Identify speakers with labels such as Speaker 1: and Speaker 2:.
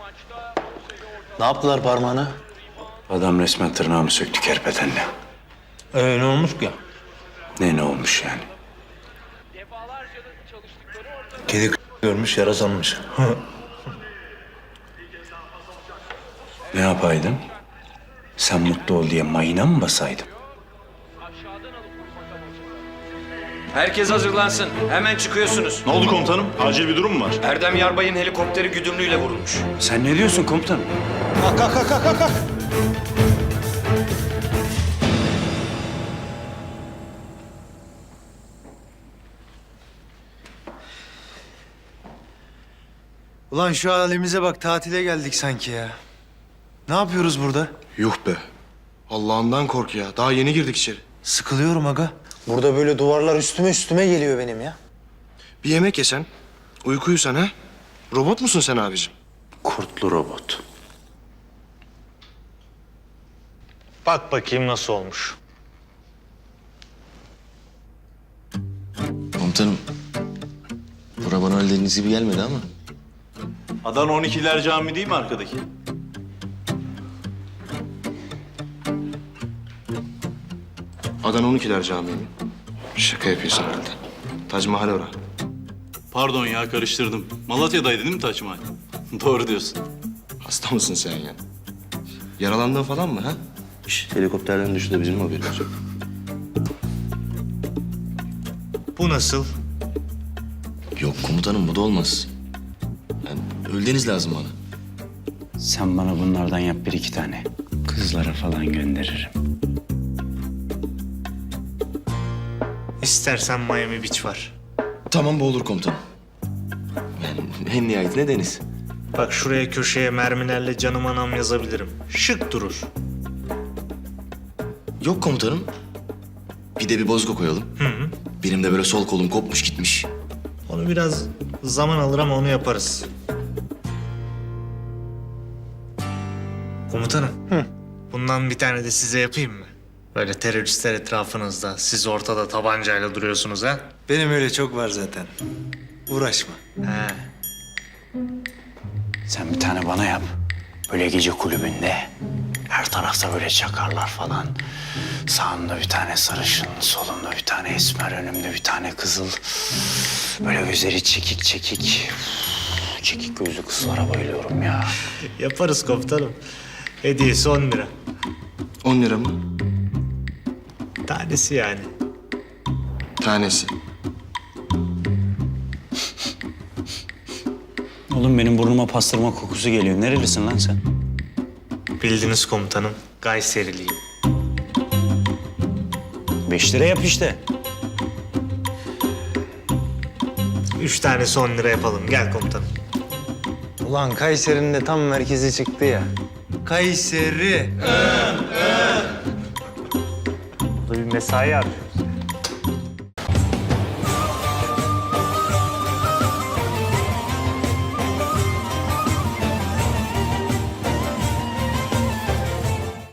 Speaker 1: Ne yaptılar parmağına?
Speaker 2: Adam resmen tırnağımı söktü kerpetenle.
Speaker 1: Ne olmuş ki?
Speaker 2: Ne olmuş yani?
Speaker 1: Kedi görmüş, yara sanmış.
Speaker 2: Ne yapaydım? Sen mutlu ol diye mayına mı basaydım?
Speaker 3: Herkes hazırlansın. Hemen çıkıyorsunuz.
Speaker 4: Ne oldu komutanım? Acil bir durum mu var?
Speaker 3: Erdem Yarbay'ın helikopteri güdümlüyle vurulmuş.
Speaker 2: Sen ne diyorsun komutanım?
Speaker 1: Kalk. Ulan şu halimize bak, tatile geldik sanki ya. Ne yapıyoruz burada?
Speaker 5: Yuh be. Allah'ından kork ya. Daha yeni girdik içeri.
Speaker 1: Sıkılıyorum aga. Burada böyle duvarlar üstüme geliyor benim ya.
Speaker 5: Bir yemek yesen, uyku uyusan ha? Robot musun sen abicim?
Speaker 2: Kurtlu robot.
Speaker 6: Bak bakayım nasıl olmuş.
Speaker 7: Komutanım, bura bana öyle dediğiniz gibi gelmedi ama.
Speaker 4: Adana 12'ler Camii değil mi arkadaki?
Speaker 5: Adana 12'ler Camii mi? Şaka yapıyorsun herhalde. Tac Mahal ora.
Speaker 4: Pardon ya karıştırdım. Malatya'daydı değil mi Taç Mahal? Doğru diyorsun.
Speaker 5: Hasta mısın sen ya? Yaralandın falan mı ha?
Speaker 7: Helikopterden düştü de bizim mi haberimiz yok?
Speaker 6: Bu nasıl?
Speaker 7: Yok komutanım, bu da olmaz. Yani öldeniz lazım bana.
Speaker 2: Sen bana bunlardan yap bir iki tane. Kızlara falan gönderirim.
Speaker 6: İstersen Miami Beach var.
Speaker 7: Tamam, bu olur komutanım. Yani en nihayetinde deniz.
Speaker 6: Bak şuraya köşeye mermilerle canım anam yazabilirim. Şık durur.
Speaker 7: Yok komutanım. Bir de bir bozgu koyalım. Benim de böyle sol kolum kopmuş gitmiş.
Speaker 6: Onu biraz zaman alır ama onu yaparız. Komutanım. Bundan bir tane de size yapayım mı? Böyle teröristler etrafınızda, siz ortada tabancayla duruyorsunuz ha?
Speaker 1: Benim öyle çok var zaten. Uğraşma.
Speaker 6: He.
Speaker 2: Sen bir tane bana yap. Böyle gece kulübünde. Her tarafta böyle çakarlar falan. Sağımda bir tane sarışın, solumda bir tane esmer, önümde bir tane kızıl. Böyle gözleri çekik çekik. Çekik gözlü kızlara bayılıyorum ya.
Speaker 6: Yaparız komutanım. Hediyesi 10 lira.
Speaker 5: 10 lira mı?
Speaker 6: Tanesi yani.
Speaker 5: Tanesi.
Speaker 2: Oğlum benim burnuma pastırma kokusu geliyor. Nerelisin lan sen?
Speaker 6: Bildiniz komutanım. Gayseriliyim.
Speaker 2: 5 lira yap işte.
Speaker 6: 3 tanesi 10 lira yapalım. Gel komutanım.
Speaker 1: Ulan Kayseri'nin de tam merkezi çıktı ya. Kayseri.
Speaker 6: Burada bir mesai yapıyor.